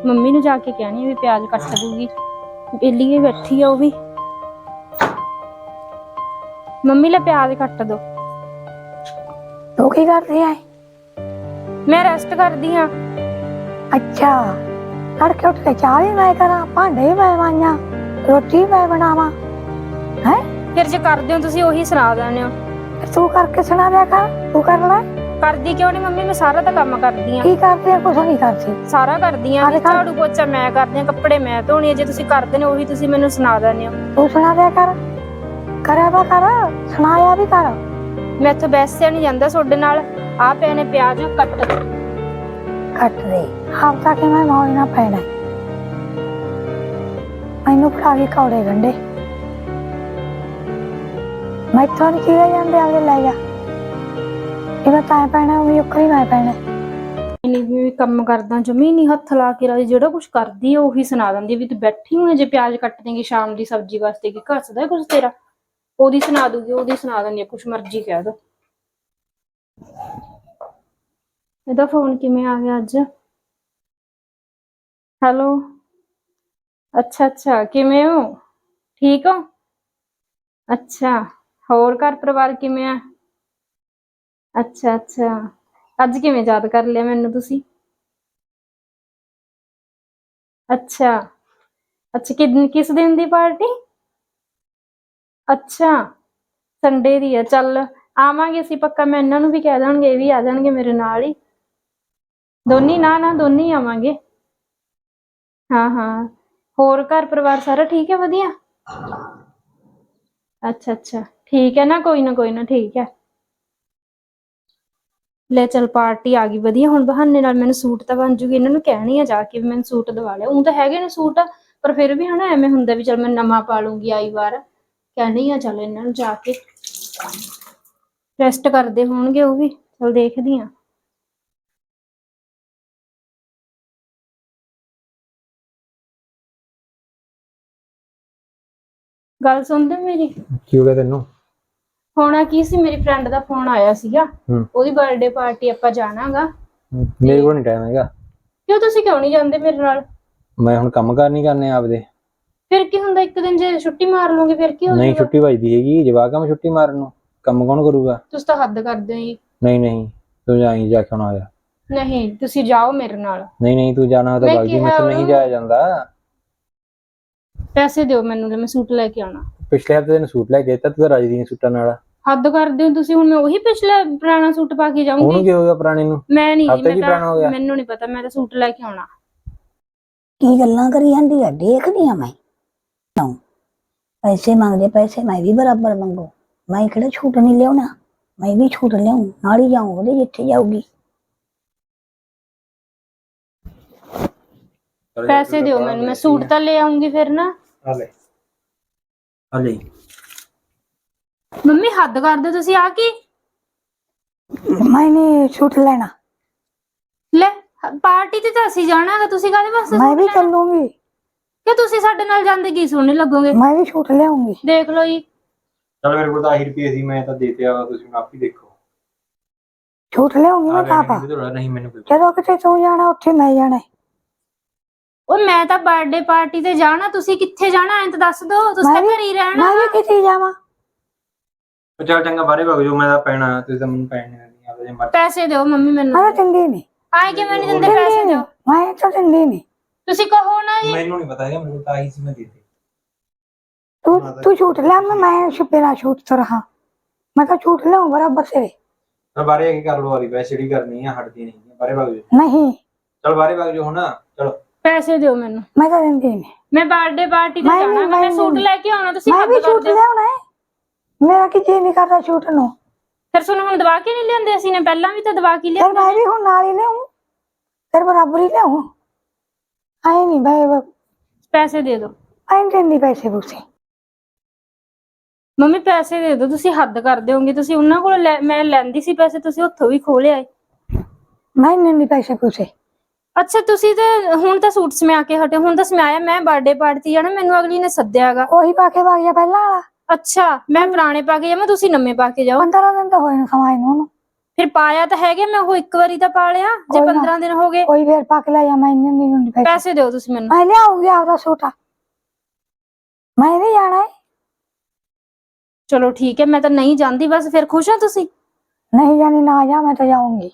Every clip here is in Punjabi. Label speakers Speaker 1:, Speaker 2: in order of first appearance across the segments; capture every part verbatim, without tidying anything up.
Speaker 1: ਮੰਮੀ ਨੂੰ ਜਾ ਕੇ ਕਹਿਣੀ ਵੀ ਪਿਆਜ਼ ਕੱਟ ਦੂਗੀ। ਬੇਲੀ ਬੈਠੀ ਆ ਉਹ ਵੀ। ਮੰਮੀ ਲੈ ਪਿਆਜ਼ ਕੱਟ ਦੋ।
Speaker 2: ਤੂੰ ਕੀ ਕਰਦੀ ਐ?
Speaker 1: ਮੈਂ ਰੈਸਟ ਕਰਦੀ ਹਾਂ।
Speaker 2: ਅੱਛਾ, ਤੜਕੇ ਉੱਠ ਕੇ ਚਾਹ ਵੀ ਮੈਂ ਕਰਾਂ, ਭਾਂਡੇ ਵੀ ਮੈਂ ਮਾਂਜਾਂ, ਰੋਟੀ ਮੈਂ ਬਣਾਵਾਂ ਹੈ?
Speaker 1: ਫਿਰ ਜੇ ਕਰਦੇ ਹੋ ਤੁਸੀਂ ਉਹੀ ਸੁਣਾ ਦਿੰਦੇ ਹੋ।
Speaker 2: ਤੂੰ ਕਰਕੇ ਸੁਣਾ ਦਿਆ ਕਰ, ਤੂੰ ਕਰ ਲੈ।
Speaker 1: ਕਰਦੀ ਕਿਉਂ ਨਹੀਂ ਮੰਮੀ? ਮੈਂ ਸਾਰਾ ਤਾਂ ਕੰਮ ਕਰਦੀ ਆ।
Speaker 2: ਕੀ ਕਰਦੀ ਆ? ਕੁਛ ਨਹੀਂ ਕਰਦੀ।
Speaker 1: ਸਾਰਾ ਕਰਦੀ ਆ। ਝਾੜੂ ਪੋਚਾ ਮੈਂ ਕਰਦੀ ਆ, ਕੱਪੜੇ ਮੈਂ ਧੋਣੀ ਆ। ਜੇ ਤੁਸੀਂ ਕਰਦੇ ਨੇ ਉਹੀ ਤੁਸੀਂ ਮੈਨੂੰ ਸੁਣਾ ਦਿੰਦੇ ਹੋ।
Speaker 2: ਤੂੰ ਸੁਣਾ ਦਿਆ ਕਰ, ਕਰਿਆ ਵਾ ਕਰ, ਸੁਣਾਇਆ ਵੀ ਕਰ।
Speaker 1: ਮੈਂ ਇੱਥੋਂ ਬੈਸਿਆ ਨਹੀਂ ਜਾਂਦਾ ਤੁਹਾਡੇ ਨਾਲ। ਆ ਪਏ ਨੇ ਪਿਆਜ਼, ਕੱਟ ਦੋ।
Speaker 2: ਕੱਟ ਦੇ। ਆਪ ਤਾਂ ਕਿ ਮੈਂ ਮੌਜ ਨਾ ਪੈਣਾ। ਮੈਨੂੰ ਫੜਾ ਕੇ ਕੌੜੇ ਗੰਢੇ ਮੈਥੋਂ ਨੀ ਕੀ ਜਾਂਦੇ, ਆਗੇ ਲੈ ਜਾ। ਜਿਵੇਂ ਤੈਂ ਪੈਣਾ ਉਵੇਂ ਉੱਕਰੀ ਮੈਂ ਪੈਣਾ।
Speaker 1: ਨਹੀਂ ਵੀ ਕੰਮ ਕਰਦਾ ਜਮੀ ਨਹੀਂ ਹੱਥ ਲਾ ਕੇ ਰਾਜੀ। ਜਿਹੜਾ ਕੁਛ ਕਰਦੀ ਆ ਉਹੀ ਸੁਣਾ ਦਿੰਦੀ ਵੀ ਤੂੰ ਬੈਠੀ ਹੋਈ ਜੇ ਪਿਆਜ਼ ਕੱਟ ਦੇਂਗੀ ਸ਼ਾਮ ਦੀ ਸਬਜ਼ੀ ਵਾਸਤੇ। ਕੀ ਘਸਦਾ ਕੁਛ ਤੇਰਾ? ਉਹਦੀ ਸੁਣਾ ਦੂਗੀ, ਉਹਦੀ ਸੁਣਾ ਦਿੰਦੀ ਆ, ਕੁਛ ਮਰਜ਼ੀ ਕਹਿ ਦੋ। ਇਹਦਾ ਫੋਨ ਕਿਵੇਂ ਆ ਗਿਆ ਅੱਜ? ਹੈਲੋ, ਅੱਛਾ ਅੱਛਾ, ਕਿਵੇਂ ਹੋ? ਠੀਕ ਹੋ? ਅੱਛਾ, ਹੋਰ ਘਰ ਪਰਿਵਾਰ ਕਿਵੇਂ ਆ? ਅੱਛਾ ਅੱਛਾ, ਅੱਜ ਕਿਵੇਂ ਯਾਦ ਕਰ ਲਿਆ ਮੈਨੂੰ ਤੁਸੀਂ? ਅੱਛਾ ਅੱਛਾ, ਕਿ ਕਿਸ ਦਿਨ ਦੀ ਪਾਰਟੀ? ਅੱਛਾ, ਸੰਡੇ ਦੀ ਆ। ਚੱਲ ਆਵਾਂਗੇ ਅਸੀਂ ਪੱਕਾ। ਮੈਂ ਇਹਨਾਂ ਨੂੰ ਵੀ ਕਹਿ ਦਾਂਗੇ, ਇਹ ਵੀ ਆ ਜਾਣਗੇ ਮੇਰੇ ਨਾਲ ਹੀ। ਦੋਨੀ ਨਾ ਨਾ ਦੋਨੀ ਆਵਾਂਗੇ। ਹਾਂ ਹਾਂ, ਹੋਰ ਘਰ ਪਰਿਵਾਰ ਸਾਰਾ ਠੀਕ ਹੈ? ਵਧੀਆ। ਅੱਛਾ ਅੱਛਾ, ਠੀਕ ਹੈ ਨਾ। ਕੋਈ ਨਾ ਕੋਈ ਨਾ, ਠੀਕ ਹੈ। ਲੈ ਚੱਲ, ਪਾਰਟੀ ਆ ਗਈ ਵਧੀਆ। ਹੁਣ ਬਹਾਨੇ ਨਾਲ ਮੈਨੂੰ ਸੂਟ ਤਾਂ ਬਣ ਜੂਗੀ। ਇਹਨਾਂ ਨੂੰ ਕਹਿਣੀ ਆ ਜਾ ਕੇ ਵੀ ਮੈਨੂੰ ਸੂਟ ਦਵਾ ਲਿਆ। ਉਹ ਤਾਂ ਹੈਗੇ ਨੇ ਸੂਟ, ਪਰ ਫਿਰ ਵੀ ਹਨਾ ਐਵੇਂ ਹੁੰਦਾ ਵੀ ਚੱਲ ਮੈਂ ਨਵਾਂ ਪਾ ਲੂੰਗੀ ਆਈ ਵਾਰ। ਕਹਿਣੀ ਆ ਚੱਲ ਇਹਨਾਂ ਨੂੰ ਜਾ ਕੇ। ਰੈਸਟ ਕਰਦੇ ਹੋਣਗੇ ਉਹ ਵੀ। ਚੱਲ ਦੇਖਦੀ ਆ। ਗੱਲ ਸੁਣਦੇ ਮੇਰੀ?
Speaker 3: ਕੀ ਹੋ ਗਿਆ ਤੈਨੂੰ?
Speaker 1: ਹੋਣਾ ਕੀ ਸੀ, ਮੇਰੀ ਫਰੈਂਡ ਦਾ ਫੋਨ ਆਇਆ ਸੀਗਾ।
Speaker 3: ਹੂੰ।
Speaker 1: ਉਹਦੀ ਬਰਥਡੇ ਪਾਰਟੀ ਆਪਾਂ ਜਾਣਾਗਾ।
Speaker 3: ਮੇਰੇ ਕੋਲ ਨਹੀਂ ਟਾਈਮ ਹੈਗਾ।
Speaker 1: ਕਿਉਂ, ਤੁਸੀਂ ਕਿਉਂ ਨਹੀਂ ਜਾਂਦੇ ਮੇਰੇ ਨਾਲ?
Speaker 3: ਮੈਂ ਹੁਣ ਕੰਮ ਕਾਰ ਨਹੀਂ ਕਰਨੇ ਆਪਦੇ।
Speaker 1: ਫਿਰ ਕੀ ਹੁੰਦਾ, ਇੱਕ ਦਿਨ ਜੇ ਛੁੱਟੀ ਮਾਰ ਲਓਗੇ ਫਿਰ ਕੀ ਹੋ
Speaker 3: ਨਹੀਂ,
Speaker 1: ਜਾਊਗਾ?
Speaker 3: ਛੁੱਟੀ ਵੱਜਦੀ ਹੈਗੀ। ਜਵਾਕ ਆ ਮੈਂ ਛੁੱਟੀ ਮਾਰਨ ਨੂੰ? ਕੰਮ ਕੌਣ ਕਰੂਗਾ?
Speaker 1: ਤੁਸੀਂ ਤਾਂ ਹੱਦ ਕਰਦੇ ਹੋ ਜੀ।
Speaker 3: ਨਹੀਂ ਨਹੀਂ, ਤੂੰ ਜਾਈ ਜਾ ਕੇ ਹੁਣ ਆ ਜਾ।
Speaker 1: ਨਹੀਂ, ਤੁਸੀਂ ਜਾਓ ਮੇਰੇ ਨਾਲ।
Speaker 3: ਨਹੀਂ ਨਹੀਂ, ਤੂੰ ਜਾਣਾ ਤਾਂ ਬਾਗ ਜੀ, ਮੈਥੋਂ ਨਹੀਂ ਜਾਇਆ ਜਾਂਦਾ।
Speaker 1: ਪੈਸੇ ਦਿਓ ਮੈਨੂੰ, ਮੈਂ ਸੂਟ ਲੈ ਕੇ ਆਉਣਾ।
Speaker 3: ਪਿਛਲੇ ਹਫ਼ਤੇ ਤੈਨੂੰ ਸੂਟ ਲੈ ਕੇ ਦਿੱਤਾ, ਤੂੰ ਤਾਂ ਰਾਜੀ ਨਹੀਂ ਸੂਟਾਂ ਨਾਲ।
Speaker 1: ਹੱਦ ਕਰਦੇ ਹੋ ਤੁਸੀਂ। ਹੁਣ ਮੈਂ ਉਹੀ ਪਿਛਲਾ ਪੁਰਾਣਾ ਸੂਟ ਪਾ ਕੇ ਜਾਊਂਗੀ?
Speaker 3: ਉਹਨੂੰ ਕੀ ਹੋ ਗਿਆ ਪੁਰਾਣੇ ਨੂੰ?
Speaker 1: ਮੈਂ ਨਹੀਂ ਜੀ,
Speaker 3: ਹਫ਼ਤੇ ਕੀ
Speaker 1: ਮੈਂ
Speaker 3: ਪੁਰਾਣਾ ਹੋ ਗਿਆ?
Speaker 1: ਤਾਂ ਮੈਨੂੰ ਨਹੀਂ ਪਤਾ। ਮੈਂ ਤਾਂ ਸੂਟ ਲੈ ਕੇ ਆਉਣਾ।
Speaker 2: ਕੀ ਗੱਲਾਂ ਕਰੀ ਜਾਂਦੀ ਆ? ਦੇਖਦੀ ਆ ਮੈਂ। ਪੈਸੇ ਮੰਗਦੇ, ਪੈਸੇ ਮੈਂ ਵੀ ਬਰਾਬਰ ਮੰਗੂ। ਮੈਂ ਕਿਹੜਾ ਛੂਟ ਨਹੀਂ ਲਿਆਉਣਾ, ਮੈਂ ਵੀ ਛੂਟ ਲਿਆਉਂ। ਨਾਲ ਹੀ ਜਾਊਂ ਉਹਦੇ ਜਿੱਥੇ ਜਾਊਗੀ।
Speaker 1: ਪੈਸੇ ਦਿਓ ਮੈਨੂੰ, ਮੈਂ ਸੂਟ ਤਾਂ ਲੈ ਆਉਂਗੀ ਫਿਰ ਨਾ।
Speaker 3: ਆ ਲੈ ਆ ਲੈ।
Speaker 1: ਮੰਮੀ ਹੱਦ ਕਰਦੇ ਤੁਸੀਂ। ਆ ਕੀ?
Speaker 2: ਮੈਂ ਨਹੀਂ ਛੂਟ ਲੈਣਾ।
Speaker 1: ਲੈ, ਪਾਰਟੀ ਤੇ ਤਾਂ ਅਸੀਂ ਜਾਣਾ ਹੈਗਾ। ਤੁਸੀਂ ਕਾਹਦੇ ਵਾਸਤੇ?
Speaker 2: ਮੈਂ ਵੀ ਚੱਲੂੰਗੀ।
Speaker 1: ਕਿ ਤੁਸੀਂ ਸਾਡੇ ਨਾਲ ਜਾਂਦੇ ਕੀ ਸੋਹਣੇ ਲੱਗੋਗੇ।
Speaker 2: ਮੈਂ ਵੀ ਛੂਟ ਲਿਆਉਂਗੀ।
Speaker 1: ਦੇਖ ਲਓ ਜੀ।
Speaker 3: ਚੱਲ ਮੇਰੇ ਕੋਲ ਤਾਂ ਆਹੀ ਰੁਪਏ ਸੀ, ਮੈਂ ਤਾਂ ਦੇ ਤੇ ਆ। ਤੁਸੀਂ ਆਪ ਹੀ ਦੇਖੋ।
Speaker 2: ਛੂਟ ਲਿਆਉਂਗੀ ਮੈਂ ਤਾਂ ਆਪਾ।
Speaker 3: ਨਹੀਂ ਮੈਨੂੰ
Speaker 2: ਜਦੋਂ ਕਿਤੇ ਤੂੰ ਜਾਣਾ ਉੱਥੇ ਮੈਂ ਜਾਣਾ।
Speaker 1: ਉਹ ਮੈਂ ਤਾਂ ਬਰਥਡੇ ਪਾਰਟੀ ਤੇ ਜਾਣਾ। ਤੁਸੀਂ ਕਿੱਥੇ ਜਾਣਾ ਐਂ ਤਾਂ ਦੱਸ ਦੋ। ਤੁਸੀਂ ਤਾਂ ਘਰੇ ਹੀ ਰਹਿਣਾ।
Speaker 2: ਮੈਂ ਵੀ ਕਿੱਥੇ ਜਾਵਾਂ?
Speaker 3: ਚੱਲ ਚੰਗਾ, ਬਾਹਰੇ ਵਗ ਜਾਓ। ਮੈਂ ਤਾਂ ਪੈਣਾ, ਤੁਸੀਂ ਤਾਂ ਮੈਨੂੰ ਪੈਣ ਨਹੀਂ ਆਉਂਦੇ।
Speaker 1: ਪੈਸੇ ਦਿਓ ਮੰਮੀ ਮੈਨੂੰ।
Speaker 2: ਮੈਂ ਦਿੰਦੀ ਨਹੀਂ।
Speaker 1: ਆਏ ਕਿਵੇਂ ਨਹੀਂ ਦਿੰਦੇ? ਪੈਸੇ ਦਿਓ।
Speaker 2: ਮੈਂ ਤਾਂ ਦਿੰਦੀ ਨਹੀਂ।
Speaker 1: ਤੁਸੀਂ ਕਹੋ ਨਾ ਜੀ।
Speaker 3: ਮੈਨੂੰ ਨਹੀਂ ਪਤਾ ਹੈਗਾ, ਮੈਨੂੰ ਤਾਂ ਆਈ ਸੀ, ਮੈਂ ਦੇ ਦੇ।
Speaker 2: ਤੂੰ ਤੂੰ ਛੂਟ ਲਿਆ, ਮੈਂ ਮੈਂ ਛੁਪੇਰਾ ਛੂਟ ਤੋਂ ਰਹਾ। ਮੈਂ ਤਾਂ ਛੂਟ ਲਿਆਉਂ ਬਰਾਬਰ ਸੇ।
Speaker 3: ਮੈਂ ਬਾਹਰੇ ਆ ਕੇ ਕਰ ਲਓ ਵਾਲੀ ਵੈਸੇ ਜਿਹੜੀ ਕਰਨੀ ਆ, ਹਟਦੀ ਨਹੀਂ। ਬਾਹਰੇ ਵਗ ਜਾਓ।
Speaker 2: ਨਹੀਂ,
Speaker 3: ਚਲ ਬਾਹਰੇ ਵਗ ਜਾਓ ਹੁਣ। ਚਲੋ
Speaker 1: ਪੈਸੇ ਦਿਓ ਮੈਨੂੰ।
Speaker 2: ਮੈਂ ਤਾਂ ਦਿੰਦੀ ਨਹੀਂ।
Speaker 1: ਮੈਂ ਬਰਥਡੇ ਪਾਰਟੀ ਤੇ ਜਾਣਾ। ਮੈਂ ਸੂਟ ਲੈ ਕੇ ਆਉਣਾ। ਤੁਸੀਂ
Speaker 2: ਮੈਂ ਵੀ ਛੂਟ ਲਿਆਉਣਾ ਹੈ। ਮੇਰਾ ਕੀ ਜੀ ਨਹੀਂ ਕਰਦਾ ਛੂਟ ਨੂੰ।
Speaker 1: ਫਿਰ ਤੁਹਾਨੂੰ ਹੁਣ ਦਵਾ ਕੇ ਨਹੀਂ ਲਿਆਂਦੇ? ਅਸੀਂ ਨੇ ਪਹਿਲਾਂ ਵੀ ਤਾਂ ਦਵਾ ਕੇ ਲਿਆ।
Speaker 2: ਮੈਂ ਵੀ ਹੁਣ ਨਾਲ ਹੀ ਲਿਆਉਂ, ਤੇਰੇ ਬਰਾਬਰ ਹੀ ਲਿਆਉਂ। ਆਏ ਨਹੀਂ ਬਾਈ।
Speaker 1: ਪੈਸੇ ਦੇ ਦਿਓ।
Speaker 2: ਆਏ ਦਿੰਦੀ ਪੈਸੇ ਪੂਸੇ।
Speaker 1: ਮੰਮੀ ਪੈਸੇ ਦੇ ਦਿਓ। ਤੁਸੀਂ ਹੱਦ ਕਰਦੇ ਹੋਗੇ। ਤੁਸੀਂ ਉਹਨਾਂ ਕੋਲ ਮੈਂ ਲੈਂਦੀ ਸੀ ਪੈਸੇ, ਤੁਸੀਂ ਉੱਥੋਂ ਵੀ ਖੋਹ ਲਿਆਏ।
Speaker 2: ਮੈਂ ਨਹੀਂ ਦਿੰਦੀ ਪੈਸੇ ਪੂਸੇ।
Speaker 1: ਅੱਛਾ, ਤੁਸੀਂ ਤੇ ਹੁਣ ਤਾਂ ਸੂਟ ਸਮਿਆ ਕੇ ਹਟੇ। ਹੁਣ ਤਾਂ ਸਮਾਇਆ ਮੈਂ ਬਰਥਡੇ ਪਾਰਟੀ ਜਾਣਾ। ਮੈਨੂੰ ਅਗਲੀ ਨੇ ਸੱਦਿਆ ਹੈਗਾ।
Speaker 2: ਉਹੀ ਪਾ ਕੇ ਵਗ ਜਾ ਪਹਿਲਾਂ ਵਾਲਾ।
Speaker 1: ਅੱਛਾ, ਮੈਂ ਪੁਰਾਣੇ ਪਾ ਕੇ ਜਾਵਾਂ, ਤੁਸੀਂ ਨਵੇਂ ਪਾ ਕੇ ਜਾਓ।
Speaker 2: ਪੰਦਰਾਂ ਦਿਨ ਤਾਂ ਹੋਏ ਨੇ ਸਮਾਏ ਨੂੰ ਉਹਨੂੰ।
Speaker 1: ਫਿਰ ਪਾਇਆ ਤਾਂ ਹੈਗੇ, ਮੈਂ ਉਹ ਇੱਕ ਵਾਰੀ ਤਾਂ ਪਾ ਲਿਆ ਜੇ
Speaker 2: ਕੋਈ ਨਾ।
Speaker 1: ਪੰਦਰਾਂ ਦਿਨ ਹੋ ਗਏ।
Speaker 2: ਕੋਈ ਫੇਰ ਪੱਕ ਲੈ ਜਾ, ਮੈਂ ਇੰਨੇ ਨਹੀਂ ਹੁੰਦੀ ਪੈਸੇ
Speaker 1: ਪੈਸੇ ਦਿਓ ਤੁਸੀਂ ਮੈਨੂੰ।
Speaker 2: ਮੈਂ ਲਿਆਉਂਗੀ ਆਪਦਾ ਸੂਟ, ਮੈਂ ਵੀ ਜਾਣਾ ਹੈ।
Speaker 1: ਚਲੋ ਠੀਕ ਹੈ, ਮੈਂ ਤਾਂ ਨਹੀਂ ਜਾਂਦੀ ਬਸ। ਫਿਰ ਖੁਸ਼ ਹੋ ਤੁਸੀਂ?
Speaker 2: ਨਹੀਂ ਜਾਣੀ ਨਾ ਜਾ, ਮੈਂ ਤਾਂ ਜਾਊਂਗੀ।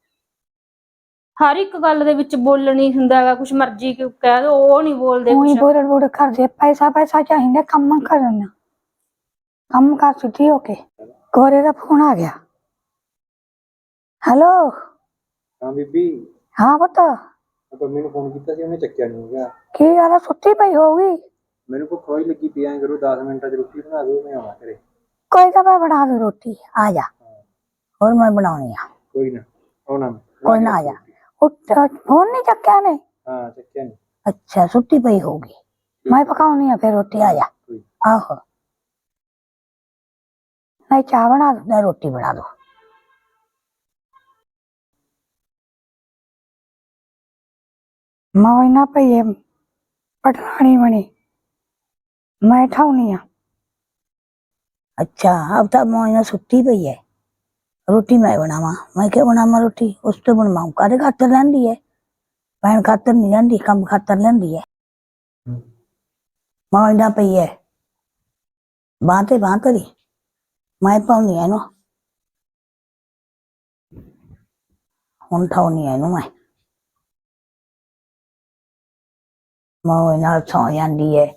Speaker 1: ਹਰ ਇੱਕ ਗੱਲ ਦੇ ਵਿੱਚ ਬੋਲਣੀ ਹੁੰਦਾ ਹੈਗਾ, ਕੁਛ ਮਰਜ਼ੀ ਕਿਉਂ ਕਹਿ ਦੋ, ਉਹ ਨਹੀਂ ਬੋਲਦੇ
Speaker 2: ਉਹੀ
Speaker 1: ਕੁਛ।
Speaker 2: ਬੋੜ ਬੋੜ ਕਰਦੇ, ਪੈਸਾ ਪੈਸਾ ਚਾਹੀਦਾ, ਕੰਮ ਕਰਨਾ, ਕੰਮ ਕਰ ਸਿੱਧੀ ਹੋ ਕੇ। ਗੋਰੇ ਦਾ ਫੋਨ ਆ ਗਿਆ। ਹੈਲੋ।
Speaker 3: ਹਾਂ ਬੀਬੀ,
Speaker 2: ਹਾਂ ਪੁੱਤ।
Speaker 3: ਮੰਮੀ ਨੂੰ ਫੋਨ ਕੀਤਾ ਸੀ, ਉਹਨੇ ਚੱਕਿਆ ਨਹੀਂ ਹੈਗਾ।
Speaker 2: ਕੀ ਗੱਲ ਆ, ਸੁੱਤੀ ਪਈ ਹੋਊਗੀ?
Speaker 3: ਮੈਨੂੰ ਭੁੱਖ ਹੋਈ ਲੱਗੀ ਪਈ, ਐਂ ਕਰੋ ਦਸ ਮਿੰਟਾਂ 'ਚ ਰੋਟੀ ਬਣਾ ਦਿਓ, ਮੈਂ ਆਵਾਂ ਘਰੇ।
Speaker 2: ਕੋਈ ਤਾਂ ਮੈਂ ਬਣਾ ਦੂੰ ਰੋਟੀ, ਆ ਜਾ। ਹੋਰ ਮੈਂ ਬਣਾਉਣੀ ਆ।
Speaker 3: ਕੋਈ ਨਾ ਆਉਣਾ ਮੈਂ।
Speaker 2: ਕੋਈ ਨਾ ਆ ਜਾ। ਉੱਠ, ਫੋਨ ਨਹੀਂ ਚੱਕਿਆ ਨੇ?
Speaker 3: ਹਾਂ ਚੱਕਿਆ ਨਹੀਂ।
Speaker 2: ਅੱਛਾ ਸੁੱਤੀ ਪਈ ਹੋਊਗੀ, ਮੈਂ ਪਕਾਉਣੀ ਆ ਫਿਰ ਰੋਟੀ, ਆ ਜਾ। ਆਹੋ, ਨਹੀਂ ਚਾਹ ਬਣਾ ਦੂੰ, ਨਾ ਰੋਟੀ ਬਣਾ ਦੂੰ। ਮੈਂ ਨਾ ਪਈਏ ਪਟਰਾਣੀ ਬਣੀ, ਮੈਂ ਠਾਉਣੀ ਆ। अच्छा अब तो मोइना सुती पई है, रोटी मैं बनावा, मैं क्या बनावा रोटी, उस तो बनवाऊं, कादे खातर लैंदी है, भैन खातर नहीं लैंदी, कम खातर लैंदी है। मोइना पई है बांते बांतरी, मैं पाउनी है नो, हुण ठाउनी है नो, मैं मोइना सौ जांदी है।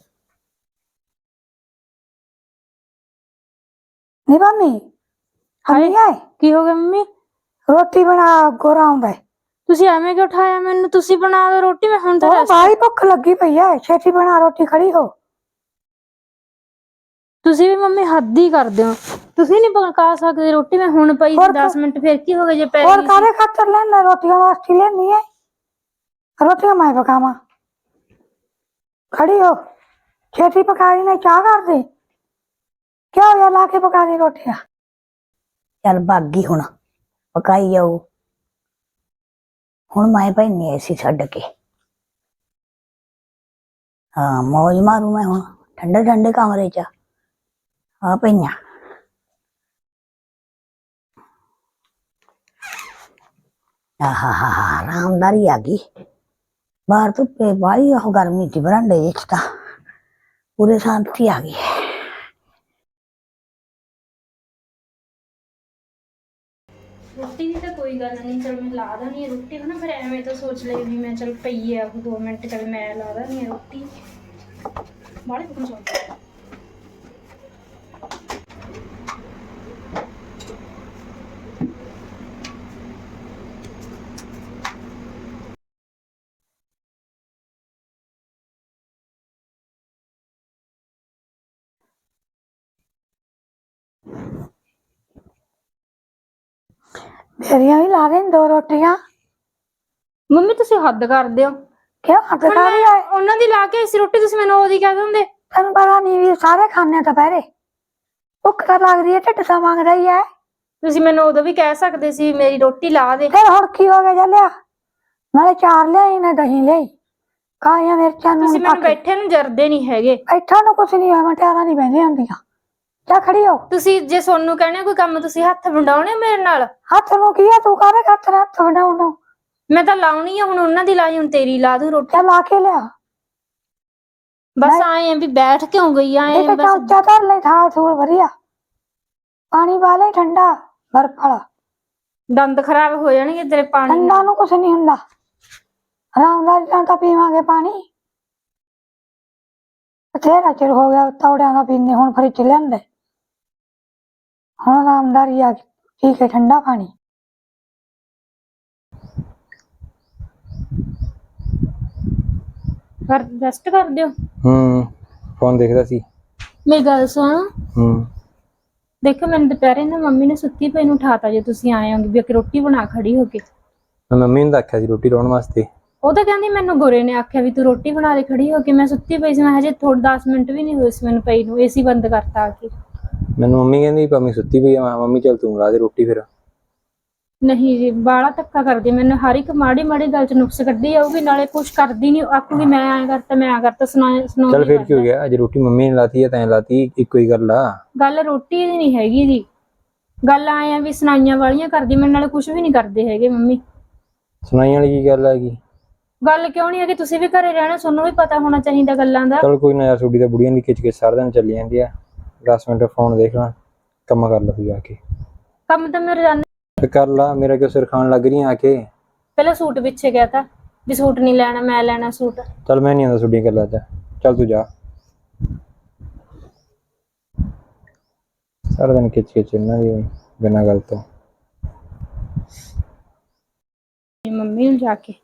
Speaker 2: नी मम्मी, हम्मी है
Speaker 1: ਕੀ ਹੋ ਗਿਆ ਮੰਮੀ?
Speaker 2: रोटी बना, गोरा आउंदा है।
Speaker 1: ਤੁਸੀਂ ਐਵੇਂ ਕਿਉਂ ਉਠਾਇਆ ਮੈਨੂੰ? ਤੁਸੀਂ ਬਣਾ ਦਿਓ ਰੋਟੀ, ਮੈਂ ਹੁਣ ਤਾਂ
Speaker 2: ओ
Speaker 1: rest-
Speaker 2: भाई भुख लगी पई है, छेती बना रोटी, खड़ी हो।
Speaker 1: ਤੁਸੀਂ ਵੀ ਮੰਮੀ ਹੱਦ ਹੀ ਕਰਦੇ ਹੋ, ਤੁਸੀਂ ਨਹੀਂ ਪਕਾ ਸਕਦੇ ਰੋਟੀ। ਮੈਂ ਹੁਣ ਪਈ ਸੀ ਦਸ ਮਿੰਟ, ਫਿਰ ਕੀ ਹੋ ਗਿਆ ਜੇ ਪੈ
Speaker 2: और
Speaker 1: ਗਈ ਸੀ?
Speaker 2: कादे खातर लेना रोटियां वास्ते लेनी है, रोटियां मैं पकावा, खड़ी हो, छेती पका दी, नहीं चाह कर दे, क्या हो गया, ला के पका दी रोटियां। चल भागी हुण, पकाई जाऊ, हुण मैं पैनी ऐसी छड्ड के, हाँ मौज मारू मैं हुण ठंडे ठंडे कमरे च आ पईयां। आहा आरामदारी आ गई, बाहर धुप्पे बाहली ओह गर्मी थी, बरांडे विच तां पूरे शांति आ गई।
Speaker 1: ਰੋਟੀ ਦੀ ਤਾਂ ਕੋਈ ਗੱਲ ਨਹੀਂ, ਚਲ ਮੈਂ ਲਾ ਦਾਂਗੀ ਰੋਟੀ, ਹਨਾ। ਫਿਰ ਐਵੇਂ ਤਾਂ ਸੋਚ ਲਈ ਵੀ ਮੈਂ ਚਲ ਪਈ ਆ ਉਹ ਦੋ ਮਿੰਟ, ਚਲ ਮੈਂ ਲਾ ਦਾਂਗੀ ਰੋਟੀ, ਬਾਹਲੇ ਕੁਝ ਸੋਚਦਾ।
Speaker 2: मेरिया भी ला दे दो रोटियां।
Speaker 1: ਮੰਮੀ ਤੁਸੀਂ ਹੱਦ ਕਰਦੇ ਹੋ।
Speaker 2: क्यों हद
Speaker 1: ਹੁਣ
Speaker 2: कर रही
Speaker 1: ਮੈਂ
Speaker 2: है?
Speaker 1: ਉਹਨਾਂ ਦੀ ਲਾ ਕੇ ਇਸ ਰੋਟੀ, ਤੁਸੀਂ ਮੈਨੂੰ ਉਹਦੀ ਕਹਿ ਦਿੰਦੇ।
Speaker 2: तेन पता नहीं भी सारे खाने दोपहरे, भुख तो लग रही है, ढिड सा मांग रही है।
Speaker 1: ਤੁਸੀਂ ਮੈਨੂੰ ਉਦੋਂ ਵੀ ਕਹਿ ਸਕਦੇ ਸੀ ਮੇਰੀ ਰੋਟੀ ਲਾ ਦੇ।
Speaker 2: फिर हुण की हो गया जलिया, नाले चार लियाई ने दही लियाई, कालियां मिर्चां नून
Speaker 1: ਤੁਸੀਂ ਮੈਨੂੰ
Speaker 2: पा के।
Speaker 1: ਬੈਠੇ ਨੂੰ ਜਰਦੇ ਨਹੀਂ ਹੈਗੇ।
Speaker 2: बैठा नूं कुछ नहीं होया, मटियारां नहीं बहंदियां हुंदियां, जा खड़ी हो।
Speaker 1: ਤੁਸੀਂ ਜੇ ਸੋਨੂੰ ਕਹਿਣਾ ਕੋਈ ਕੰਮ, ਤੁਸੀਂ ਹੱਥ ਵੰਡਾਉਣੇ ਮੇਰੇ ਨਾਲ।
Speaker 2: हथ नूं की है, तू काहदे हथ हथ वडाउण नूं?
Speaker 1: ਮੈਂ ਤਾਂ ਲਾਉਣੀ ਆ, ਹੁਣ ਉਹਨਾਂ ਦੀ ਲਾਈ, ਹੁਣ ਤੇਰੀ ਲਾ ਦੂੰ ਰੋਟੀ।
Speaker 2: चल ला के लिया,
Speaker 1: ਬਸ आए हैं भी बैठ क्यों गई आए
Speaker 2: देख
Speaker 1: बस।
Speaker 2: उच्चा धर ले, थाल थूल वधिया, पानी वाले ठंडा बर्फ वाला,
Speaker 1: दंद खराब हो जाएंगे तेरे पानी
Speaker 2: ठंडा नूं कुछ नहीं हुंदा, आरामदारी नाल तां पीवांगे पानी। बथेरा चिर हो गया तौड़ियां दा पीने, हुण फ्रिज लिआंदे, हुण आरामदारी आ गई, ठीक है ठंडा पानी।
Speaker 1: कर रेस्ट कर दियो।
Speaker 3: ਹੂੰ ਫੋਨ ਦੇਖਦਾ ਸੀ।
Speaker 1: मेरी गल सुन,
Speaker 3: ਹੂੰ
Speaker 1: देखो मैंने दोपहरे ना मम्मी ने सुत्ती पई नूं उठाता, जे तुसीं आए होगे भी एक रोटी बना खड़ी हो के।
Speaker 3: ਮੈਂ ਮੰਮੀ ਨੂੰ ਤਾਂ ਆਖਿਆ ਸੀ ਰੋਟੀ ਲਾਉਣ ਵਾਸਤੇ।
Speaker 1: ਉਹ ਤਾਂ ਕਹਿੰਦੀ ਮੈਨੂੰ ਗੋਰੇ ਨੇ ਆਖਿਆ ਵੀ ਤੂੰ ਰੋਟੀ ਬਣਾ ਦੇ ਖੜੀ ਹੋ ਕੇ। ਮੈਂ ਸੁੱਤੀ ਪਈ ਸੀ, ਮੈਂ ਹਜੇ ਥੋੜੇ ਦਸ ਮਿੰਟ ਵੀ ਨਹੀਂ ਹੋਏ ਸੀ ਮੈਨੂੰ ਪਈ ਨੂੰ, ਏਸੀ ਬੰਦ ਕਰਤਾ ਆ ਕੇ।
Speaker 3: ਮੈਨੂੰ ਮੰਮੀ ਕਹਿੰਦੀ ਪੰਮੀ ਸੁੱਤੀ ਪਈ ਆ, ਮੈਂ ਕਿਹਾ ਮੰਮੀ ਚੱਲ ਤੂੰ ਲਾ ਦੇ ਰੋਟੀ ਫਿਰ।
Speaker 1: ਨਹੀਂ ਜੀ, ਬਾਹਲਾ ਧੱਕਾ ਕਰਦੀ ਮੈਨੂੰ, ਹਰ ਇੱਕ ਮਾੜੀ ਮਾੜੀ ਗੱਲ ਚ ਨੁਕਸ ਕੱਢੀ ਜਾਊਗੀ, ਨਾਲੇ ਕੁਛ ਕਰਦੀ ਨਹੀਂ, ਆਖੂਗੀ ਮੈਂ ਐਂ ਕਰਤਾ ਮੈਂ ਐਂ ਕਰਤਾ, ਸੁਣਾ ਸੁਣਾਉਂਦੀ
Speaker 3: ਚੱਲ ਫਿਰ ਕੀ ਹੋ ਗਿਆ, ਅੱਜ ਰੋਟੀ ਮੰਮੀ ਨੇ ਲਾਤੀ ਹੈ ਤੈਂ ਲਾਤੀ, ਇੱਕੋ ਹੀ ਗੱਲ ਆ।
Speaker 1: ਗੱਲ ਰੋਟੀ ਦੀ ਨਹੀਂ ਹੈਗੀ ਜੀ, ਗੱਲ ਆਏ ਆ ਵੀ ਸੁਣਾਈਆਂ ਵਾਲੀਆਂ ਕਰਦੀ, ਮੇਰੇ ਨਾਲ ਕੁਝ ਵੀ ਨਹੀਂ ਕਰਦੇ ਹੈਗੇ ਮੰਮੀ।
Speaker 3: ਸੁਣਾਈ ਵਾਲੀ ਕੀ ਗੱਲ ਹੈਗੀ?
Speaker 1: ਗੱਲ ਕਿਉਂ ਨਹੀਂ ਹੈਗੀ, ਤੁਸੀਂ ਵੀ ਘਰੇ ਰਹਿਣਾ, ਤੁਹਾਨੂੰ ਵੀ ਪਤਾ ਹੋਣਾ ਚਾਹੀਦਾ ਗੱਲਾਂ ਦਾ।
Speaker 3: ਚਲ ਕੋਈ ਨਾ ਯਾਰ, ਛੋਟੀ ਤਾਂ ਬੁੜੀਆਂ ਦੀ ਖਿੱਚ ਕੇ ਸਾਰਾ ਦਿਨ ਚੱਲੀ ਜਾਂਦੀ ਆ। ਦਸ ਮਿੰਟ ਫੋਨ ਦੇਖ ਲਾ, ਕੰਮ ਕਰ ਲੈ ਤੂੰ ਜਾ ਕੇ।
Speaker 1: ਕੰਮ ਤਾਂ ਮੈਂ ਰੋਜ਼ਾਨਾ
Speaker 3: ਤੇ ਕਰ ਲਾ, ਮੇਰਾ ਕਿਉਂ ਸਿਰ ਖਾਣ ਲੱਗ ਰਹੀ ਆ ਕੇ।
Speaker 1: ਪਹਿਲਾਂ ਸੂਟ ਪਿੱਛੇ ਗਿਆ ਤਾਂ ਵੀ ਸੂਟ ਨਹੀਂ ਲੈਣਾ, ਮੈਂ ਲੈਣਾ ਸੂਟ।
Speaker 3: ਚਲ ਮੈਂ ਨਹੀਂ ਆਉਂਦਾ ਤੁਹਾਡੀਆਂ ਗੱਲਾਂ 'ਚ, ਚੱਲ ਤੂੰ ਜਾ। ਸਾਰਾ ਦਿਨ ਖਿੱਚ ਖਿੱਚ ਇਹਨਾਂ ਦੀ ਬਿਨਾਂ ਗੱਲ ਤੋਂ।
Speaker 1: ਮੰਮੀ ਨੂੰ ਜਾ ਕੇ,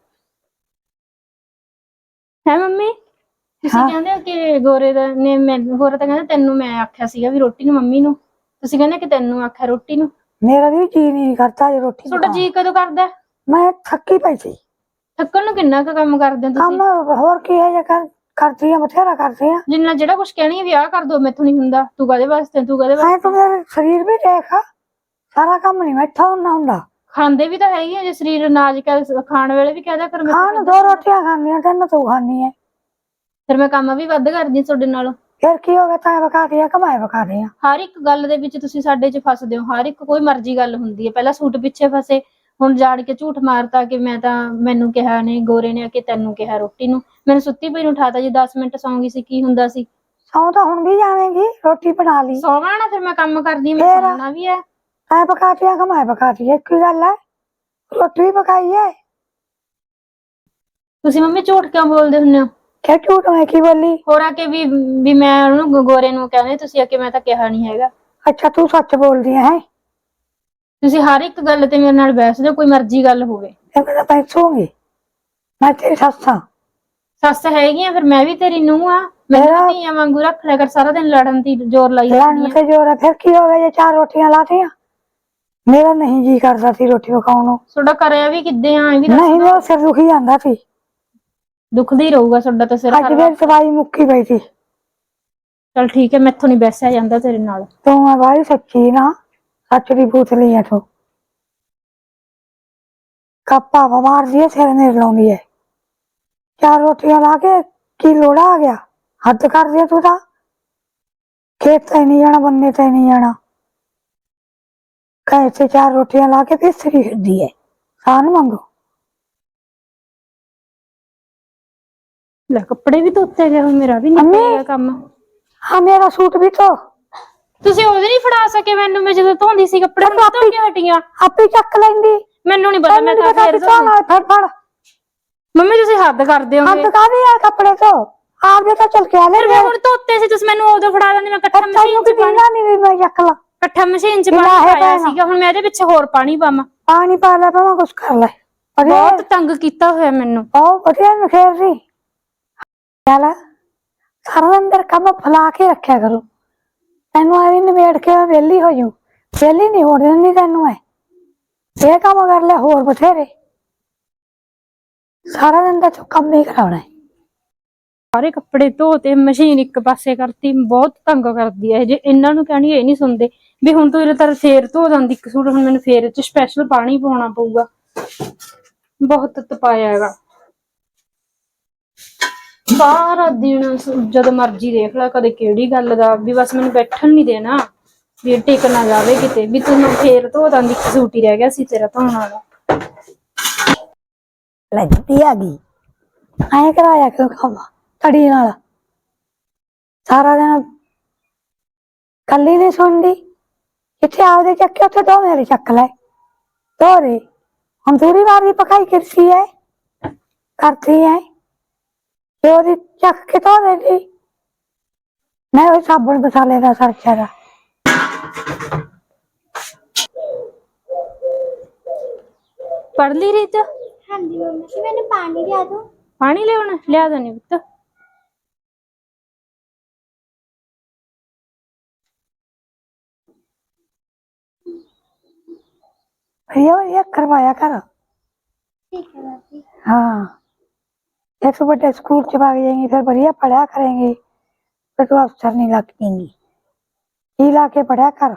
Speaker 1: ਹੈ ਮੰਮੀ ਤੁਸੀਂ
Speaker 2: ਹਾਂ।
Speaker 1: ਕਹਿੰਦੇ ਹੋ ਕਿ ਗੋਰੇ ਦਾ ਨੇ ਮੈਂ ਗੋਰਾ ਤਾਂ ਕਹਿੰਦਾ ਤੈਨੂੰ ਮੈਂ ਆਖਿਆ ਸੀਗਾ ਵੀ ਰੋਟੀ ਨੂੰ ਮੰਮੀ ਨੂੰ, ਤੁਸੀਂ ਕਹਿੰਦੇ ਕਿ ਤੈਨੂੰ ਆਖਿਆ ਰੋਟੀ ਨੂੰ।
Speaker 2: ਮੇਰਾ ਵੀ ਜੀ ਨਹੀਂ ਕਰਦਾ ਜੇ ਰੋਟੀ
Speaker 1: ਤੁਹਾਡਾ ਜੀ ਕਦੋਂ ਕਰਦਾ?
Speaker 2: ਮੈਂ ਥੱਕੀ ਪਈ ਸੀ।
Speaker 1: ਥੱਕਣ ਨੂੰ ਕਿੰਨਾ ਕੁ ਕੰਮ ਕਰਦੇ ਹੋ ਤੁਸੀਂ?
Speaker 2: ਕੰਮ ਹੋਰ ਕੀ ਹੈ ਜੇ ਕਰ ਕਰਦੀ ਆ, ਬਥੇਰਾ ਕਰਦੀ ਆ।
Speaker 1: ਜਿੰਨਾ ਜਿਹੜਾ ਕੁਝ ਕਹਿਣੀ ਹੈ ਵੀ ਆਹ ਕਰ ਦੋ, ਮੈਥੋਂ ਨਹੀਂ ਹੁੰਦਾ, ਤੂੰ ਕਾਹਦੇ ਵਾਸਤੇ ਤੂੰ ਕਾਹਦੇ
Speaker 2: ਐ
Speaker 1: ਵਾਸਤੇ।
Speaker 2: ਤੂੰ ਮੇਰਾ ਸਰੀਰ ਵੀ ਦੇਖ, ਸਾਰਾ ਕੰਮ ਨਹੀਂ ਮੈਥੋਂ ਹੁੰਦਾ ਹੁੰਦਾ।
Speaker 1: ਖਾਂਦੇ ਵੀ ਤਾਂ ਹੈਗੇ ਆ, ਜੇ ਸਰੀਰ ਅਨਾਜ ਕਹਿ ਖਾਣ ਵੇਲੇ ਵੀ ਕਹਿਦਾ ਕਰ
Speaker 2: ਖਾਣ ਨੂੰ ਦੋ ਰੋਟੀਆਂ ਖਾਣੀਆਂ, ਤੈਨੂੰ ਤੂੰ ਖਾਣੀ ਹੈ।
Speaker 1: ਫਿਰ ਮੈਂ ਕੰਮ ਵੀ ਵੱਧ ਕਰਦੀ ਤੁਹਾਡੇ ਨਾਲੋਂ।
Speaker 2: ਫਿਰ ਕੀ ਹੋ ਗਿਆ, ਤਾਂ ਵਕਾਦੀ ਆ ਕਮਾਏ ਵਕਾਦੀ ਆ।
Speaker 1: ਹਰ ਇੱਕ ਗੱਲ ਦੇ ਵਿੱਚ ਤੁਸੀਂ ਸਾਡੇ 'ਚ ਫਸਦੇ ਹੋ, ਹਰ ਇੱਕ ਕੋਈ ਮਰਜ਼ੀ ਗੱਲ ਹੁੰਦੀ ਹੈ। ਪਹਿਲਾਂ ਸੂਟ ਪਿੱਛੇ ਫਸੇ, ਹੁਣ ਜਾੜ ਕੇ ਝੂਠ ਮਾਰਤਾ ਕਿ ਮੈਂ ਤਾਂ ਮੈਨੂੰ ਕਿਹਾ ਨੇ ਗੋਰੇ ਨੇ ਕਿ ਤੈਨੂੰ ਕਿਹਾ ਰੋਟੀ ਨੂੰ। ਮੈਨੂੰ ਸੁੱਤੀ ਪਈ ਨੂੰ ਉਠਾਤਾ ਜੀ, ਦਸ ਮਿੰਟ ਸੌਂਗੀ ਸੀ, ਕੀ ਹੁੰਦਾ ਸੀ।
Speaker 2: ਸੌਂ ਤਾਂ ਹੁਣ ਵੀ ਜਾਵੇਂਗੀ, ਰੋਟੀ ਬਣਾ ਲਈ।
Speaker 1: ਸੌਣਾ ਨਾ, ਫਿਰ ਮੈਂ ਕੰਮ ਕਰਦੀ ਹਾਂ, ਮੈਂ
Speaker 2: ਫਿਰ?
Speaker 1: ਸੌਣਾ ਵੀ ਹੈ।
Speaker 2: ਐ ਪਕਾਤੀ ਆ ਕਮਾਏ ਪਕਾਤੀ, ਇੱਕ ਹੀ ਗੱਲ ਹੈ, ਰੋਟੀ ਵੀ ਪਕਾਈ ਹੈ।
Speaker 1: ਤੁਸੀਂ ਮੰਮੀ ਝੂਠ ਕਿਉਂ ਬੋਲਦੇ ਹੁੰਦੇ ਹੋ?
Speaker 2: ਕਿ ਝੂਠ ਮੈਂ ਕੀ ਬੋਲੀ?
Speaker 1: ਹੋਰ ਆ ਕੇ ਵੀ ਵੀ ਮੈਂ ਉਹਨੂੰ ਗੋਰੇ ਨੂੰ ਕਹਿੰਦੇ, ਤੁਸੀਂ ਆ ਕੇ ਮੈਂ ਤਾਂ ਕਿਹਾ ਨਹੀਂ ਹੈਗਾ।
Speaker 2: ਅੱਛਾ ਤੂੰ ਸੱਚ ਬੋਲਦੀ ਹੈ।
Speaker 1: ਤੁਸੀਂ ਹਰ ਇੱਕ ਗੱਲ ਤੇ ਮੇਰੇ ਨਾਲ ਬਹਿਸਦੇ ਹੋ, ਕੋਈ ਮਰਜ਼ੀ ਗੱਲ ਹੋਵੇ।
Speaker 2: ਇਹ ਮੈਂ ਤਾਂ ਪੈਸੂਗੀ, ਮੈਂ ਤੇਰੀ ਸੱਸ ਹਾਂ।
Speaker 1: ਸੱਸ ਹੈਗੀ ਆ, ਫਿਰ ਮੈਂ ਵੀ ਤੇਰੀ ਨੂੰਹ ਆ। ਮੈਨੂੰ ਧੀਆਂ ਵਾਂਗੂ ਰੱਖ ਲਿਆ ਕਰ, ਸਾਰਾ ਦਿਨ ਲੜਨ ਦੀ ਜ਼ੋਰ ਲਾਈ ਰੱਖਦੀ
Speaker 2: ਲੜਨ
Speaker 1: ਆ।
Speaker 2: ਤੇ ਜੋਰ ਹੈ, ਫਿਰ ਕੀ ਹੋ ਗਿਆ ਜੇ ਚਾਰ ਰੋਟੀਆਂ ਲਾਤੀਆਂ। ਮੇਰਾ ਨਹੀਂ ਜੀ ਕਰਦਾ ਸੀ ਰੋਟੀ ਪਕਾਉਣ ਨੂੰ।
Speaker 1: ਤੁਹਾਡਾ ਕਰਿਆ ਵੀ ਕਿੱਦੇ ਆ, ਇਹ ਵੀ ਦੱਸ
Speaker 2: ਨਹੀਂ,
Speaker 1: ਦਿਓ।
Speaker 2: ਮੇਰਾ ਸਿਰ ਦੁਖੀ ਜਾਂਦਾ ਸੀ।
Speaker 1: ਦੁਖਦਾ ਹੀ ਰਹੂਗਾ ਤੁਹਾਡਾ ਤਾਂ ਸਿਰ।
Speaker 2: ਅੱਜ ਮੇਰੀ ਦਵਾਈ ਮੁੱਕੀ ਪਈ ਸੀ।
Speaker 1: ਚਲ ਠੀਕ ਹੈ, ਮੈਥੋਂ ਨਹੀਂ ਬੈਸਿਆ ਜਾਂਦਾ ਤੇਰੇ ਨਾਲ।
Speaker 2: ਤੂੰ ਆ ਬਾਈ ਸੱਚੀ ਨਾ, ਸੱਚ ਦੀ ਪੁੱਛ ਲਈ ਆ ਤੂੰ। ਕੱਪਾ ਮਾਰਦੀ ਹੈ, ਸਿਰ ਨਹੀਂ ਲਾਉਂਦੀ ਹੈ। ਚਾਰ ਰੋਟੀਆਂ ਲਾ ਕੇ ਕੀ ਲੋੜਾ ਆ ਗਿਆ, ਹੱਦ ਕਰਦੀ ਹੈ ਤੂੰ ਤਾਂ। ਖੇਤ ਤੇ ਨਹੀਂ ਜਾਣਾ, ਬੰਨੇ ਤੇ ਨਹੀਂ ਜਾਣਾ, ਕਹੇ ਤੇ ਚਾਰ ਰੋਟੀਆਂ ਲਾ ਕੇ ਪਿਸਰੀ ਫਿਰਦੀ ਹੈ, ਸਾਨ ਮੰਗੋ।
Speaker 1: ਲੈ ਕੱਪੜੇ ਵੀ ਧੋਤੇ ਗਏ, ਮੇਰਾ ਵੀ ਨਿਕਲ ਗਿਆ ਕੰਮ।
Speaker 2: ਹਾਂ ਮੇਰਾ ਸੂਟ ਵੀ ਧੋ।
Speaker 1: ਤੁਸੀਂ ਉਹਦੇ ਨਹੀਂ ਫੜਾ ਸਕੇ ਮੈਨੂੰ, ਮੈਂ ਜਦੋਂ ਧੋਂਦੀ ਸੀ ਕੱਪੜੇ, ਹੁਣ ਧੋ ਕੇ ਹਟੀਆਂ।
Speaker 2: ਆਪੇ ਚੱਕ ਲੈਂਦੀ,
Speaker 1: ਮੈਨੂੰ ਨਹੀਂ ਪਤਾ, ਮੈਂ ਤਾਂ ਫੇਰ ਧੋਂਦੀ।
Speaker 2: ਫੜ ਫੜ
Speaker 1: ਮੰਮੀ ਤੁਸੀਂ ਹੱਦ ਕਰਦੇ ਹੋਗੇ।
Speaker 2: ਹੱਦ ਕਾਹਦੀ ਆ, ਕੱਪੜੇ ਧੋ ਆਪਦੇ ਤਾਂ ਚਲ ਕੇ ਆ ਲੈ।
Speaker 1: ਮੈਂ ਹੁਣ ਧੋਤੇ ਸੀ, ਤੁਸੀਂ ਮੈਨੂੰ ਉਦੋਂ ਫੜਾ ਦਿੰਦੇ, ਮੈਂ ਇਕੱਠਾ ਮਸ਼ੀਨ 'ਚ ਪਾਣੀ
Speaker 2: ਨਹੀਂ ਵੀ ਮੈਂ ਚੱਕ ਲਾ,
Speaker 1: ਇਕੱਠਾ ਮਸ਼ੀਨ 'ਚ ਪਾਣੀ ਪਾਇਆ ਸੀਗਾ। ਹੁਣ ਮੈਂ ਇਹਦੇ ਪਿੱਛੇ ਹੋਰ ਪਾਣੀ ਪਾਵਾਂ?
Speaker 2: ਪਾਣੀ ਪਾ ਲੈ, ਭਾਵੇਂ ਕੁਛ ਕਰ ਲੈ।
Speaker 1: ਬਹੁਤ ਤੰਗ ਕੀਤਾ ਹੋਇਆ ਮੈਨੂੰ।
Speaker 2: ਉਹ ਵਧੀਆ ਨਖੇਰ ਸੀ। ਚੱਲ ਸਾਰਾ ਅੰਦਰ ਕੰਮ ਫਲਾ ਕੇ ਰੱਖਿਆ ਕਰੋ, ਤੈਨੂੰ ਐਵੇਂ ਨਿਬੇੜ ਕੇ ਵਿਹਲੀ ਹੋ ਜਾਊ। ਵਿਹਲੀ ਨਹੀਂ ਹੋਣ ਦਿੰਦੀ ਤੈਨੂੰ, ਐ ਇਹ ਕੰਮ ਕਰ ਲੈ, ਹੋਰ ਬਥੇਰੇ। ਸਾਰਾ ਦਿਨ ਤਾਂ ਤੂੰ ਕੰਮ ਹੀ ਕਰਾਉਣਾ।
Speaker 1: ਸਾਰੇ ਕੱਪੜੇ ਧੋ ਤੇ ਮਸ਼ੀਨ ਇੱਕ ਪਾਸੇ ਕਰਤੀ, ਬਹੁਤ ਤੰਗ ਕਰਦੀ ਹੈ। ਜੇ ਇਹਨਾਂ ਨੂੰ ਕਹਿਣੀ ਇਹ ਨਹੀਂ ਸੁਣਦੇ ਵੀ ਹੁਣ ਤੂੰ ਇਹਦੇ ਤਰ ਫੇਰ ਧੋ ਜਾਂਦੀ ਇੱਕ ਸੂਟ, ਹੁਣ ਮੈਨੂੰ ਫੇਰ ਚ ਸਪੈਸ਼ਲ ਪਾਣੀ ਪਾਉਣਾ ਪਊਗਾ। ਬਹੁਤ ਤਪਾਇਆ ਹੈਗਾ ਸਾਰਾ ਦਿਨ, ਜਦੋਂ ਮਰਜ਼ੀ ਦੇਖ ਲੈ, ਕਦੇ ਕਿਹੜੀ ਗੱਲ ਦਾ ਵੀ ਬਸ ਮੈਨੂੰ ਬੈਠਣ ਨਹੀਂ ਦੇਣਾ, ਵੀ ਟਿਕ ਨਾ ਜਾਵੇ ਕਿਤੇ ਵੀ ਤੂੰ ਫੇਰ ਧੋ ਜਾਂਦੀ, ਇੱਕ ਸੂਟ ਹੀ ਰਹਿ ਗਿਆ ਸੀ ਤੇਰਾ ਧੋਣ ਵਾਲਾ।
Speaker 2: ਲੱਗਦੀ ਆ ਗਈ ਐ ਕਰਾਇਆ ਕਿਉਂ ਕੰਮ ਤੜੀ ਨਾਲ, ਸਾਰਾ ਦਿਨ ਕੱਲੀ ਨਹੀਂ ਸੁਣਦੀ। ਇੱਥੇ ਆਪਦੇ ਚੱਕੇ, ਉੱਥੇ ਦੋ ਮੇਰੇ ਚੱਕ ਲੈ, ਧੋ ਦੇ। ਹੁਣ ਦੂਰੀ ਵਾਰ ਦੀ ਪਕਾਈ ਕਰਦੀ ਹੈ, ਕਰਦੀ ਹੈ, ਤੇ ਉਹਦੀ ਚੱਕ ਕੇ ਧੋ ਦੇਦੀ। ਮੈਂ ਉਹ ਸਾਬਣ ਮਸਾਲੇ ਦਾ ਸਰਚਾ ਦਾ।
Speaker 1: ਪੜ ਲਈ ਰੀਤ?
Speaker 4: ਹਾਂਜੀ ਮੰਮੀ, ਮੈਨੂੰ ਪਾਣੀ ਲਿਆ ਦੋ।
Speaker 1: ਪਾਣੀ ਲਿਆਉਣਾ? ਲਿਆ ਦੇਣੀ ਪੁੱਤ।
Speaker 2: भैया भैया करवाया कर।
Speaker 4: ठीक है दादी।
Speaker 2: हाँ, एक सौ बड़े स्कूल से भाग जाएंगी, फिर बढ़िया पढ़ा करेंगी, फिर तो अफसर नहीं लगेंगी। ही ला के पढ़ा कर।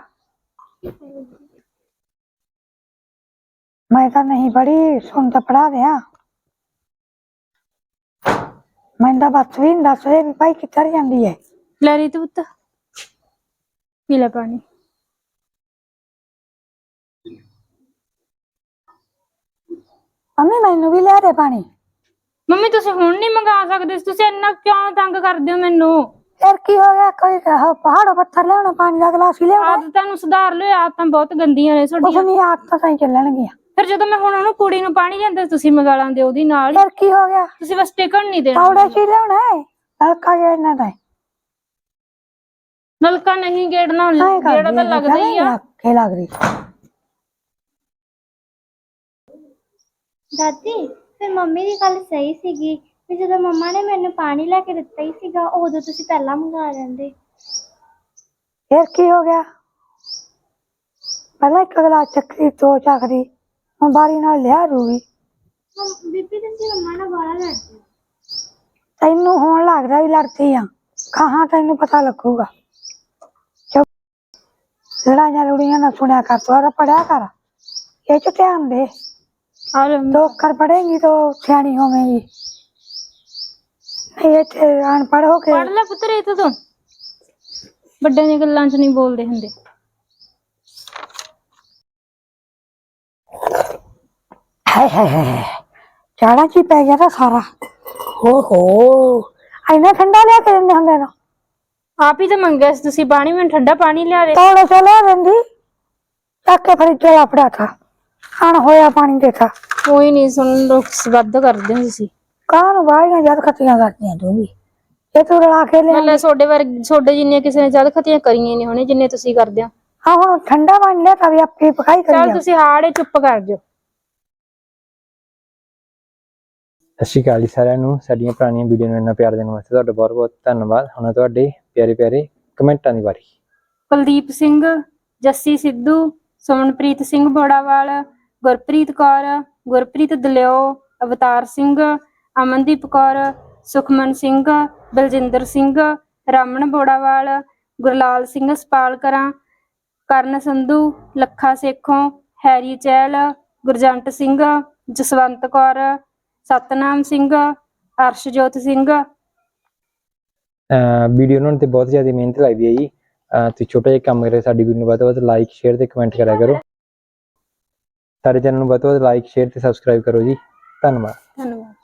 Speaker 2: मैं तो नहीं पढ़ी, सुन तो पढ़ा दिया। मैं तो बस भी दस बजे भी भाई किधर जाती है।
Speaker 1: ਲੈ ਰੀਤ ਪੁੱਤ, ਪੀ ਲੈ ਪਾਣੀ।
Speaker 2: ਮੰਮੀ ਮੈਨੂੰ ਵੀ ਲਿਆ ਦੇ ਪਾਣੀ।
Speaker 1: ਮੰਮੀ ਤੁਸੀਂ ਹੁਣ ਨਹੀਂ ਮੰਗਾ ਸਕਦੇ ਸੀ, ਤੁਸੀਂ ਇੰਨਾ ਕਿਉਂ ਤੰਗ ਕਰਦੇ ਹੋ ਮੈਨੂੰ?
Speaker 2: ਫਿਰ ਕੀ ਹੋ ਗਿਆ? ਕੋਈ ਕਹੋ ਪਹਾੜੋਂ ਪੱਥਰ ਲਿਆਉਣਾ, ਪਾਣੀ ਦਾ ਗਲਾਸ ਹੀ ਲਿਆਉਣਾ।
Speaker 1: ਆਦਤਾਂ ਨੂੰ ਸੁਧਾਰ ਲਿਓ, ਆਦਤਾਂ ਬਹੁਤ ਗੰਦੀਆਂ ਨੇ
Speaker 2: ਕੁਛ
Speaker 1: ਤੁਹਾਡੀਆਂ।
Speaker 2: ਨਹੀਂ, ਆਦਤਾਂ ਤਾਂ ਹੀ ਚੱਲਣਗੀਆਂ।
Speaker 1: ਫਿਰ ਜਦੋਂ ਮੈਂ ਹੁਣ ਉਹਨੂੰ ਕੁੜੀ ਨੂੰ ਪਾਣੀ ਲਿਆਂਦਾ ਤੁਸੀਂ ਮੰਗਾ ਲਾਂਦੇ ਉਹਦੀ ਨਾਲ।
Speaker 2: ਫਿਰ ਕੀ ਹੋ ਗਿਆ?
Speaker 1: ਤੁਸੀਂ ਬਸ ਟਿਕਣ ਨਹੀਂ ਦੇਣਾ।
Speaker 2: ਪੌੜੇ ਚ ਹੀ ਲਿਆਉਣਾ ਹੈ, ਨਲਕਾ ਗੇੜਨਾ ਤਾਂ
Speaker 1: ਨਲਕਾ ਨਹੀਂ ਗੇੜਨਾ,
Speaker 2: ਐਂ
Speaker 1: ਗੇੜਾ
Speaker 2: ਕਰਦੀ
Speaker 1: ਤਾਂ
Speaker 2: ਆ,
Speaker 1: ਲੱਗਦਾ ਹੀ ਆ।
Speaker 2: ਆਖੇ ਲੱਗ ਰਹੀ।
Speaker 4: ਦਾਦੀ ਫਿਰ ਮੰਮੀ ਦੀ ਗੱਲ ਸਹੀ ਸੀਗੀ ਵੀ ਜਦੋਂ ਮੰਮਾ ਨੇ ਮੈਨੂੰ ਪਾਣੀ ਲੈ ਕੇ ਦਿੱਤਾ ਹੀ ਸੀਗਾ ਉਦੋਂ ਤੁਸੀਂ ਪਹਿਲਾਂ ਮੰਗਾ ਲੈਂਦੇ।
Speaker 2: ਫਿਰ ਕੀ ਹੋ ਗਿਆ? ਪਹਿਲਾਂ ਇੱਕ ਗਲਾਸ ਚੱਕਰੀ, ਦੋ ਚੱਕਰੀ, ਹੁਣ ਬਾਰੀ ਨਾਲ ਲਿਆ ਰੂਗੀ।
Speaker 4: ਮੰਮ- ਬੀਬੀ ਤੁਸੀਂ ਮੰਮਾ ਨਾਲ ਬਾਹਲਾ ਲੜਦੇ ਹੋ।
Speaker 2: ਤੈਨੂੰ ਹੁਣ ਲੱਗਦਾ ਵੀ ਲੜਦੀ ਆ, ਕਹਾਂ ਤੈਨੂੰ ਪਤਾ ਲੱਗੂਗਾ। ਚੁੱਪ, ਲੜਾਈਆਂ ਲੁੜੀਆਂ ਨਾ ਸੁਣਿਆ ਕਰ, ਤੂੰ ਪੜਿਆ ਕਰ, ਇਹ ਚ ਧਿਆਨ ਦੇ।
Speaker 1: ਔਰ
Speaker 2: ਦੋ ਅੱਖਰ ਪੜੇਂਗੀ तो ਸਿਆਣੀ ਹੋਵੇਂਗੀ, ਨਹੀਂ ਇੱਥੇ ਅਨਪੜ੍ਹ ਹੋ ਕੇ।
Speaker 1: ਪੜ ਲੈ ਪੁੱਤਰ, ਇਹ ਤੂੰ ਵੱਡਿਆਂ ਦੀਆਂ ਗੱਲਾਂ 'ਚ ਨਹੀਂ ਬੋਲਦੇ ਹੁੰਦੇ।
Speaker 2: ਹਾਏ ਹਾਏ ਹਾਏ, ਚਾੜਾ ਚ ਹੀ ਪੈ ਗਿਆ ਤਾਂ ਸਾਰਾ। ਹੋ ਹੋ, ਇੰਨਾ ਠੰਡਾ ਲਿਆ ਕੇ ਦਿੰਦੇ ਹੁੰਦੇ ਨਾ।
Speaker 1: ਆਪ ਹੀ ਤਾਂ ਮੰਗਿਆ ਸੀ ਤੁਸੀਂ ਪਾਣੀ, ਮੈਨੂੰ ਠੰਡਾ ਪਾਣੀ ਲਿਆ ਦੇ।
Speaker 2: ਤੋੜੇ ਸੇ ਲਿਆ ਦਿੰਦੀ, ਚੱਕ ਕੇ ਫਰਿੱਜ ਚ ਲਾਪੜਾ ਥਾ, ਖਾਣ ਹੋਇਆ ਪਾਣੀ ਦੇਖਾ।
Speaker 1: ਕੋਈ ਨਹੀਂ ਸੁਣ, ਰੁਕਸ ਵੱਧ ਕਰਦੇ ਹੋ ਤੁਸੀਂ।
Speaker 2: ਕਾਹ ਨੂੰ ਬਾਹਲੀਆਂ ਜਦ ਖੱਤੀਆਂ ਕਰਦੀਆਂ ਤੂੰ ਵੀ, ਇਹ ਤੂੰ ਰਲਾ ਕੇ ਲਿਆ।
Speaker 1: ਮਤਲਬ ਤੁਹਾਡੇ ਵਰਗੇ, ਤੁਹਾਡੇ ਜਿੰਨੀਆਂ ਕਿਸੇ ਨੇ ਜਦ ਖਤੀਆਂ ਕਰੀਆਂ ਨਹੀਂ ਹੋਣੇ ਜਿੰਨੇ ਤੁਸੀਂ ਕਰਦੇ ਹੋ।
Speaker 2: ਹਾਂ ਹੁਣ ਠੰਡਾ ਪਾਣੀ ਲਿਆ ਤਾਂ ਵੀ ਆਪੇ ਪਕਾਈ ਕਰੀ
Speaker 1: ਚੱਲ
Speaker 2: ਜਾ।
Speaker 1: ਤੁਸੀਂ ਹਾੜੇ ਚੁੱਪ ਕਰ ਜਾਓ।
Speaker 3: ਸਤਿ ਸ਼੍ਰੀ ਅਕਾਲ ਜੀ ਸਾਰਿਆਂ ਨੂੰ। ਸਾਡੀਆਂ ਪੁਰਾਣੀਆਂ ਵੀਡੀਓ ਨੂੰ ਇੰਨਾ ਪਿਆਰ ਦੇਣ ਵਾਸਤੇ ਤੁਹਾਡਾ ਬਹੁਤ ਬਹੁਤ ਧੰਨਵਾਦ। ਹੁਣ ਤੁਹਾਡੇ ਪਿਆਰੇ ਪਿਆਰੇ ਕਮੈਂਟਾਂ ਦੀ ਵਾਰੀ।
Speaker 1: ਕੁਲਦੀਪ ਸਿੰਘ, ਜੱਸੀ ਸਿੱਧੂ, ਸੁਮਨਪ੍ਰੀਤ ਸਿੰਘ ਬੋੜਾਵਾਲ, ਗੁਰਪ੍ਰੀਤ ਕੌਰ, ਗੁਰਪ੍ਰੀਤ ਦਲਿਓ, ਅਵਤਾਰ ਸਿੰਘ, ਅਮਨਦੀਪ ਕੌਰ, ਸੁਖਮਨ ਸਿੰਘ, ਬਲਜਿੰਦਰ ਸਿੰਘ, ਰਾਮਨ ਬੋੜਾਵਾਲ, ਗੁਰਲਾਲ ਸਿੰਘ ਸਪਾਲਕਰਾਂ, ਕਰਨ ਸੰਧੂ, ਲੱਖਾ ਸੇਖੋਂ, ਹੈਰੀ ਚਹਿਲ, ਗੁਰਜੰਟ ਸਿੰਘ, ਜਸਵੰਤ ਕੌਰ, ਸਤਨਾਮ ਸਿੰਘ, ਅਰਸ਼ਜੋਤ ਸਿੰਘ।
Speaker 3: ਵੀਡੀਓ ਬਣਾਉਣ ਤੇ ਬਹੁਤ ਜ਼ਿਆਦਾ ਮਿਹਨਤ ਲੱਗਦੀ ਹੈ ਜੀ। ਤੁਸੀਂ ਛੋਟਾ ਜਿਹਾ ਕੰਮ ਕਰਿਆ, ਸਾਡੀ ਵੀਡੀਓ ਨੂੰ ਵੱਧ ਤੋਂ ਵੱਧ ਲਾਈਕ, ਸ਼ੇਅਰ ਤੇ ਕਮੈਂਟ ਕਰਿਆ ਕਰੋ। ਸਾਡੇ ਚੈਨਲ ਨੂੰ ਵੱਧ ਤੋਂ ਵੱਧ ਲਾਈਕ, ਸ਼ੇਅਰ ਤੇ ਸਬਸਕ੍ਰਾਈਬ ਕਰੋ ਜੀ। ਧੰਨਵਾਦ।
Speaker 1: ਧੰਨਵਾਦ।